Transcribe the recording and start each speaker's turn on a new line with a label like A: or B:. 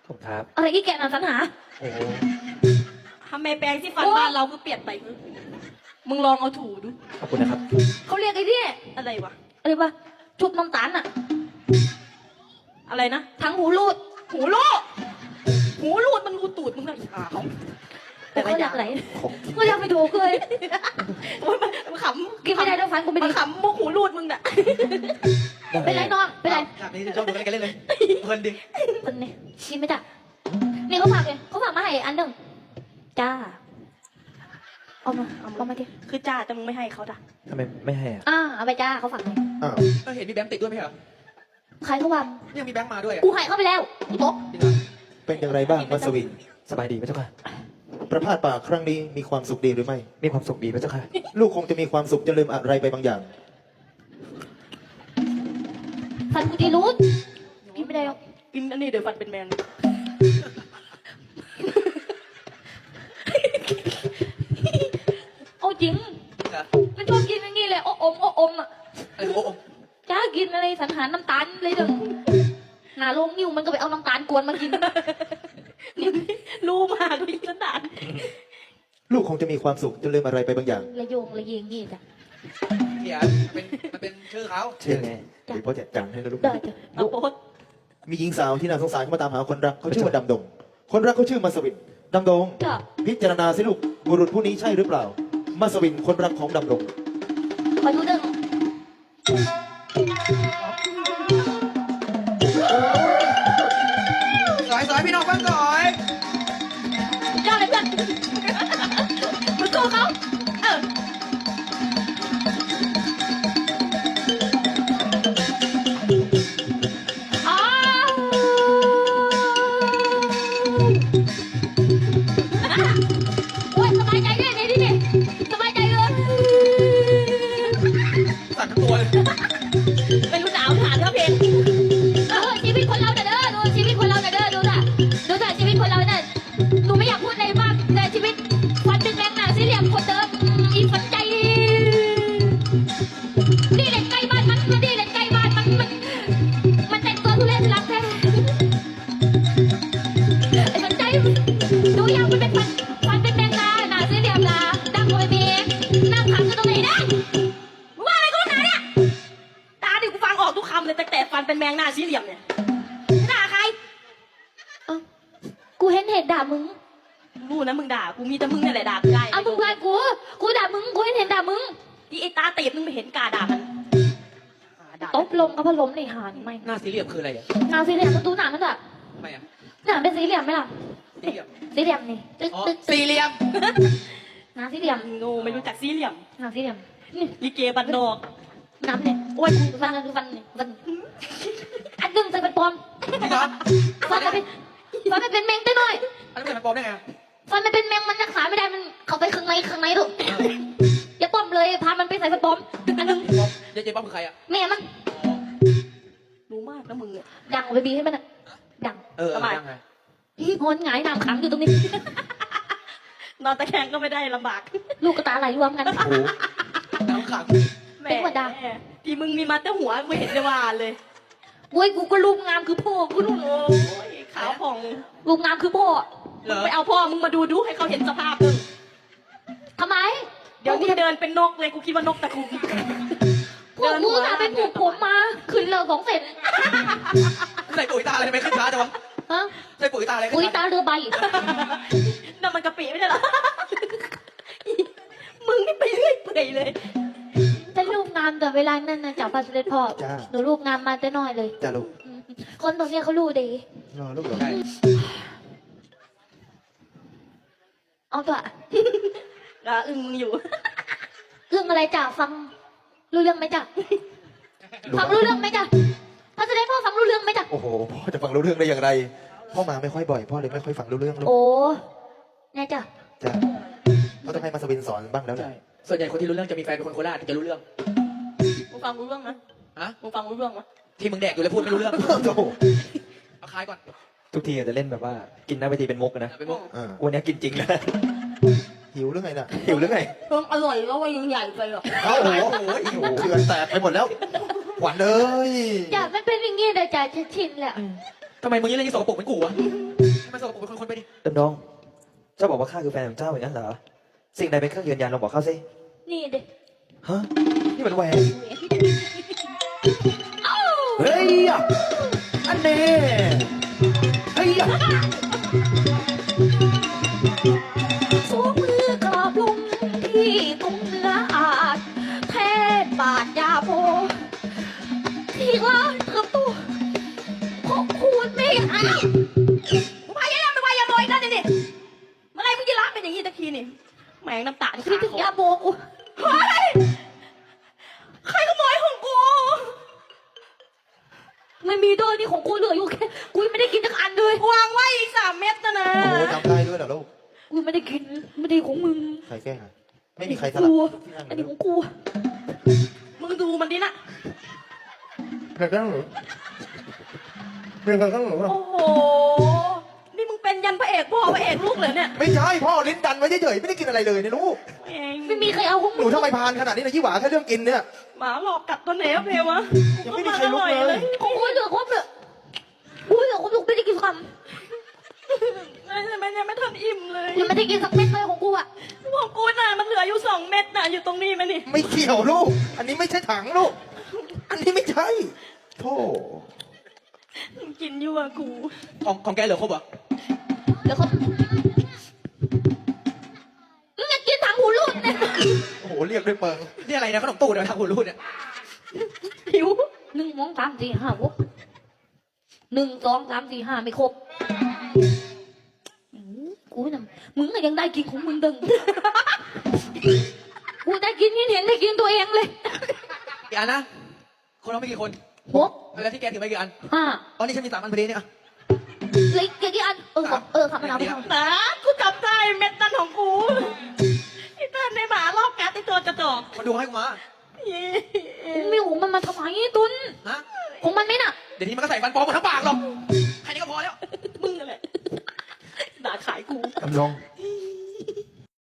A: ผมครับ
B: อะไรอีแกน่ะสัญหา
A: โอ้โห
C: ทำไมแปรงที่ฟันบ้านเราก็เปลี่ยนไปมึงลองเอาถูดู
A: ขอบคุณนะครับ
B: เขาเรียกไอ้เนี่ย
C: อะไรวะ
B: อะไรวะชุบน้ำตาลอะ
C: อะไรนะ
B: ทั้งหูรูด
C: หูรูดหูรูดมันรูตูดมึงนะขาว
B: แต่เขาอยากไหน
A: ของ
B: ก็อยากไปถูกเลย
C: มันขำ
B: กินไม่ได้ด้วยฟันกูไม่
C: มั
B: ดี
C: นขำมุกหูรูดมึงน่ะ
B: เป็นไรน้องเป็นไร
D: ฉากนี้ชอบดูกันเล่นเลยเพลินดิ
B: คนนี้กินไม่ได้นี่เขาฝากเลยเขาฝากมาให้อันหนึ่งจ้าเอามาดิ
C: คือจ้าแต่มึงไม่ให้เขาจ้ะ
A: ทำไมไม่ให้อ่ะ
B: เอาไปจ้าเขาฝากเลย
D: อ้าวเห็นมีแบงค์ติดด้วยไหมเหรอ
B: ใครเขาวาง
D: ยังมีแบงค์มาด้วยอ่ะ
B: กูให้เขาไปแล้วอีโต๊ะ
E: เป็นอย่างไรบ้างมัสวิน
A: สบายดีไหมเจ้าค่ะ
E: ประพาสป่าครั้งนี้มีความสุขดีหรือไม่
A: มีความสุขดีไหมเจ้าค่ะ
E: ลูกคงจะมีความสุขจะลืมอะไรไปบางอย่าง
B: ฟันกูดีรูดกินไม่ได้หรอก
C: กินอันนี้เดี๋ยวฟันเป็นแมง
B: โอ้จริง
D: เหรอ
B: มันชอบกินอย่างนี้เลยโอ้อมอ่ะ
D: ไอ้โอ้โห
B: จ้ากินอะไรสันหาน้ำตาลเลยเด้อหาลงนิ้วมันก็ไปเอาน้ำตาลกวนมากิน
C: รู้มากเลยขนาด
E: ลูกคงจะมีความสุขจะลืมอะไรไปบางอย่าง
B: ระโยงระเยงนี่จ้ะ
D: เนี่ยมันเป็นชื่อเขา
E: เช่นไงหรือพ่อจัดการให้นะลูก
B: ได้จ้ะ
C: เอาโพส
E: มีหญิงสาวที่น่าสงสารเข้ามาตามหาคนรักเขาชื่อว่าดำดง คนรักเขาชื่อมัสวินดำดง
B: จ้ะ
E: พิจารณาสิลูกบุรุษผู้นี้ใช่หรือเปล่า มัสวินคนรักของดำดง
B: คอยดูเด้อ
D: สอยพี่น้องบ้างสอย
B: ยอดเลยเพื่อนมึงสู้เขาเอออ้าวโอ้ยสบายใจด้วยในที่นี่สบายใจเลย
D: สั่นทั้งตัวเลย
C: ไม่รู้หนาวผ่านเท่าเพลง
B: ชีวิตคนเราเด้อดูชีวิตคนเราเด้อดูจ้ะดูจ้ะชีวิตคนเราเนี่ยหนูไม่อยากพูดอะไรมากแต่ชีวิตฟันเป็นแมงหนาสี่เหลี่ยมคนเดิมอีฝันใจนี่เด็กใกล้บ้านมันนี่เด็กใกล้บ้านมันแต่งตัวทุเรศรักแท้ไอ้ฝันใจดูยังมันเป็นฟันเป็นแมงดาหนาสี่เหลี่ยมดาดังโวยเมีนั่งขังอยู่ตรงไหนนะมึงว่าอะไรกูหนาเนี่ย
C: ตาดิกูฟังออกทุกคำเลยแต่ฟันเป็นแมงหน้าสี่เหลี่ยมเนี่ยด่าใคร
B: กูเห็นเหตุด่ามึง
C: รู้นะมึงด่ากูมีแต่มึงนี่แหละด่ากูได้
B: เอามึงว่ากูด่ามึง กูเห็นด่ามึง
C: ที่ไอ้ตาตีบมึงไม่เห็นกาด่ามันด่า
B: ตบลงกับพัดลมในหานไม่
D: หน้าสี่เหลี่ยมคืออะไรอ่ะ
B: หนาสี่เหลี่ยมมันดูหนามันอะ
D: ทำไมอ่ะ
B: หนาเป็นสี่เหลี่ยมไหมล่ะ
D: สี่เหลี่ยม
B: สี่เหลี่ยมนี่ตึ๊ก
D: อ๋อ
B: ตึ๊ก
D: สี่เหลี่ยม
B: หนาสี่เหลี่ยม
C: โง่ไม่รู้จักสี่เหลี่ยม
B: หนาสี่เหลี่ยมนี่
C: ลิเกบันนอก
B: น้ำเนี่ยโอ้ยฟันคือฟันเนี่ยฟันอันหนึ่งจะเป็นปลอม
D: พี่น้อง
B: ฟันจะเป็นฟันมันเป็นแมงได้หน่อย
D: อันนี้เป็นปลอมได้ไง
B: ฟันมันเป็นแมงมันรักษาไม่ได้มันเข้าไปข้างในดูอย่าปลอมเลยพามันไปใส่ฟันปลอมอันหนึ่ง
D: เจ๊ป้อมคือใครอ่ะ
B: แม่มัน
C: รู้มากนะมึงเนี่ย
B: ดังไปบีให้มันอะดัง
D: ทำไมยังไง
B: งอนหงายน้ำขังอยู่ตรงนี้
C: นอนตะแคงก็ไม่ได้ลำบาก
B: ลูกกระตาไหลรวมกัน
E: โอ้โห
D: น้ำขัง
C: แหม
B: เป็นหัวด่า
C: ที่มึงมีมาแต่หัวไม่เห็นจะว่าเลย
B: โอ้ยกูก็รูปงามคือพ่อกูนู่น
C: โอ้ยขาวผ่อง
B: รูปงามคือพ่อ
D: เหรอ
C: ไปเอาพ่อมึงมาดูให้เขาเห็นสภาพมึง
B: ทำไม
C: เดี๋ยวกูจะเดินเป็นนกเลยกูคิดว่านกตะคุ่ม
B: พวกมึงอะไปปลูกผมมาขึ้นเลยของเสร็จ
D: ใส่ปุ๋ยตาอะไรทำไมขึ้นช้าจังวะ
B: ฮะ
D: ใส่ปุ๋ยตาอะไรขึ้น
B: อุ้ย
D: ช้า
B: ตาเรือใบ
C: นั่นมันกะปิไม่ใช่เหรอ มึงนี่ไปเรื่อยเปื่อยเลย
B: แต่รูปงามแต่เวลานั้นนะจับพาสเตพ่อ
E: จ้า
B: หนูรูปงามมาแต่น้อยเลย
E: จ้าลูก
B: อืมคนตรงเนี้ยเขารู้ดี
E: รอลูกเหรอ
D: ใช่
B: เอาเถอะ
C: ก็อึ้งมึงอยู่
B: เรื่องอะไรจ้ะฟังรู้เรื่องไหมจ้ะฟังรู้เรื่องไหมจ้ะพาสเตพ่อฟังรู้เรื่องไหมจ้ะ
E: โอ้โหพ่อจะฟังรู้เรื่องได้อย่างไร พ่อมาไม่ค่อยบ่อยพ่อเลยไม่ค่อยฟังรู้เรื่องลูก
B: โอ้แน่จ้ะ
E: จ้าพ่อต้องให้มัสวินสอนบ้างแล้วแห
D: ใช่
E: ละ
D: ส่วนใหญ่คนที่รู้เรื่องจะมีแฟนเป็นคนโคราชถึงจะรู้เรื่อง
C: มึงฟังรู้เรื่องนะ
D: ฮะ
C: มึงฟังรู้เรื่องมั้ย
D: ที่มึงแดกอยู่แล้วพูดไม่รู้เรื่อง
E: โอ้โห
D: เอาคายก่อน
A: ทุกทีอาจจะเล่นแบบว่า กินหน้าเวทีเป็นมุกนะ
D: เป็นมุก
E: อ่า
A: วันนี้กินจริงนะ
E: หิวหรือไงน่ะหิวหรือไง
C: เพิ่งอร่อยแล้วว่ายังใหญ่ไปหรอ
E: โอ้โหหิวเขื่อนแตกไปหมดแล้วหวานเลย
B: จ้ะมันเป็นอย่างงี้เลยจ้ะจะชินแหละ
D: ทำไมมึงยังเล่นที่สกปรกเหมือนกูวะให้มันสกปรกเป็นคนๆไปดิ
A: ดำดง เจ้าบอกว่าข้าคือแฟนของเจ้าอย่างนั้นเหรอ สิ่งใดเป็นเครื่องยืนยันลองบอกข้าสิ
B: นี่เด็ก
A: ฮะ นี่มันแหวน
B: เอ้า
E: เฮ้ยอ่ะอันนี้เฮ้ยอ่ะ
B: สวมมือกราบลงที่ตรงเนื้ออาจแทนบาทยาโพที่ร้านเติบโตของคุณไม่เอา
C: มึงพายายามไปวายยาโมอีกแล้วนี่เมื่อไรมึงจะรักเป็นอย่างนี้ตะคีนี่แหมงน้ำตาที่
B: คิดถึงยาโบกู
C: เฮ้ยใครขโมยของกู
B: ไม่มีด้วยนี่ของกูเหลืออยู่แค่กูยังไม่ได้กินสักอันเลยว
C: างไว้อีก3 เม็ดนะนะ
E: โอ้โหจำได้ด้วยเหรอลูก
B: กูไม่ได้กินไม่ได้ของมึง
E: ใครแกล้งอ่ะไม่มีใครสลับ
B: กู
E: ที่นั่ง
B: อัน
E: เล
B: นี้
E: ย
B: ของกู
C: มึงดูมันดินะ
E: ใครแกล้งหรือเป็นใครแกล้งหรือ
C: โอ้โห นี่มึงเป็นยันพระเอกพ่อพระเอกลูกเลยเนี่ย
E: ไม่ใช่พ่อลิ้นดันไว้เฉยๆไม่ได้กินอะไรเลยเนี่ยลูก
C: เอง
B: ไม่มีใครเอาของ
E: ห
B: มึ
E: นู
B: ง
E: ทำไมพานขนาดนี้นะยี่หวาแค่เรื่องกินเนี่ย
C: หมาหลอกกัดตัวไหนอะเพวะ
E: ยังไม่มีใครลุกเลย
B: ของกูเหลือครบเลยกูเหลือครบลูกไม่ได้กินค
C: มันยังไม่ทันอิ่มเลย
B: ำยังไม่ได้กินสักเม็ดเลยของกูอ่ะ
C: ของกูน่ะมันเหลืออยู่2 เม็ดน่ะอยู่ตรงนี้ไหมนี่
E: ไม่เกี่ยวลูก อันนี้ไม่ใช่ถังลูก อันนี้ไม่ใช่โธ่
C: มึงกินอยู่อะกู
D: ของแกเหลือครบเหรอ
B: เหลือครบมึงอยากกินถังหูรูดเนี่ย
E: โอ้โหเรียกด้วยเปิง
D: นี่อะไรนะขนมตู้เดี๋ยวทางหุ่นรูดเนี่ย
C: หิว
B: 1 2 3 4 5 6 1 2 3 4 5ไม่ครบกูน่ะมึงก็ยังได้กินของมึงดึงกูได้กินนี่เห็นได้กินตัวเองเลย
D: กี่อันนะ คนเราไม่กี่คน
B: 6
D: แล้วที่แกถือไปกี่อัน
B: 5
D: อ๋อนี่ฉันมี3 อันพอดีเนี่ยอ่ะ
B: เหลืออีกกี่อันขับมาเอาไปทำ
C: นะกูจับได้เม็ดนั่นของกูไอ้เต้นในหมารอบกัดไอ้ตัวกระจอก
D: มาดูให้กูมา
B: กูไม่หูมันมาทำไมตุน
D: ฮะ
B: ของมันไหมน่ะ
D: เดี๋ยวนี้มันก็ใส่ฟันปลอมหมดทั้งปากหรอกแค่นี้ก็พอแล้ว
C: มึงนั่นแหละด่าขายกู
E: ดำรง